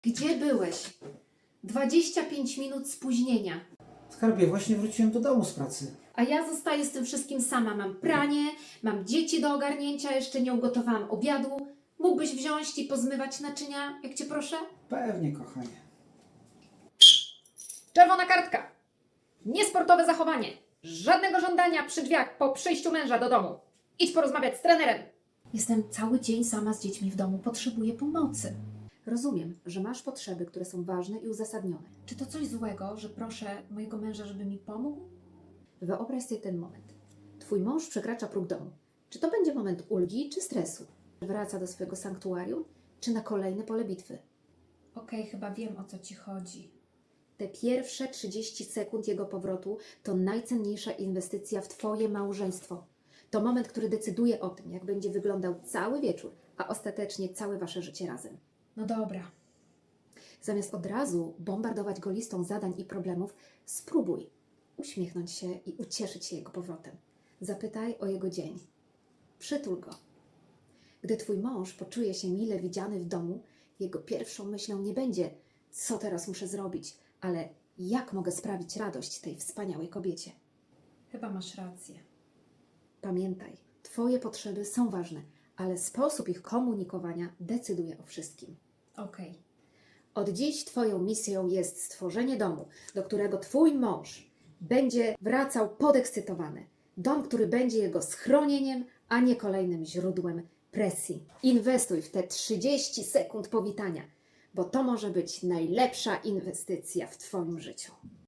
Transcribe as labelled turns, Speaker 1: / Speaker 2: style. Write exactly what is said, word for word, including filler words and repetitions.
Speaker 1: Gdzie byłeś? dwadzieścia pięć minut spóźnienia.
Speaker 2: Skarbie, właśnie wróciłem do domu z pracy.
Speaker 1: A ja zostaję z tym wszystkim sama. Mam pranie, mam dzieci do ogarnięcia, jeszcze nie ugotowałam obiadu. Mógłbyś wziąć i pozmywać naczynia, jak cię proszę?
Speaker 2: Pewnie, kochanie.
Speaker 1: Czerwona kartka. Niesportowe zachowanie. Żadnego żądania przy drzwiach po przyjściu męża do domu. Idź porozmawiać z trenerem. Jestem cały dzień sama z dziećmi w domu. Potrzebuję pomocy. Rozumiem, że masz potrzeby, które są ważne i uzasadnione. Czy to coś złego, że proszę mojego męża, żeby mi pomógł? Wyobraź sobie ten moment. Twój mąż przekracza próg domu. Czy to będzie moment ulgi czy stresu? Wraca do swojego sanktuarium, czy na kolejne pole bitwy? Okej, chyba wiem, o co ci chodzi. Te pierwsze trzydzieści sekund jego powrotu to najcenniejsza inwestycja w Twoje małżeństwo. To moment, który decyduje o tym, jak będzie wyglądał cały wieczór, a ostatecznie całe Wasze życie razem. No dobra. Zamiast od razu bombardować go listą zadań i problemów, spróbuj uśmiechnąć się i ucieszyć się jego powrotem. Zapytaj o jego dzień. Przytul go. Gdy Twój mąż poczuje się mile widziany w domu, jego pierwszą myślą nie będzie, co teraz muszę zrobić, ale jak mogę sprawić radość tej wspaniałej kobiecie. Chyba masz rację. Pamiętaj, Twoje potrzeby są ważne, ale sposób ich komunikowania decyduje o wszystkim. Okej. Od dziś Twoją misją jest stworzenie domu, do którego Twój mąż będzie wracał podekscytowany. Dom, który będzie jego schronieniem, a nie kolejnym źródłem presji. Inwestuj w te trzydzieści sekund powitania, bo to może być najlepsza inwestycja w Twoim życiu.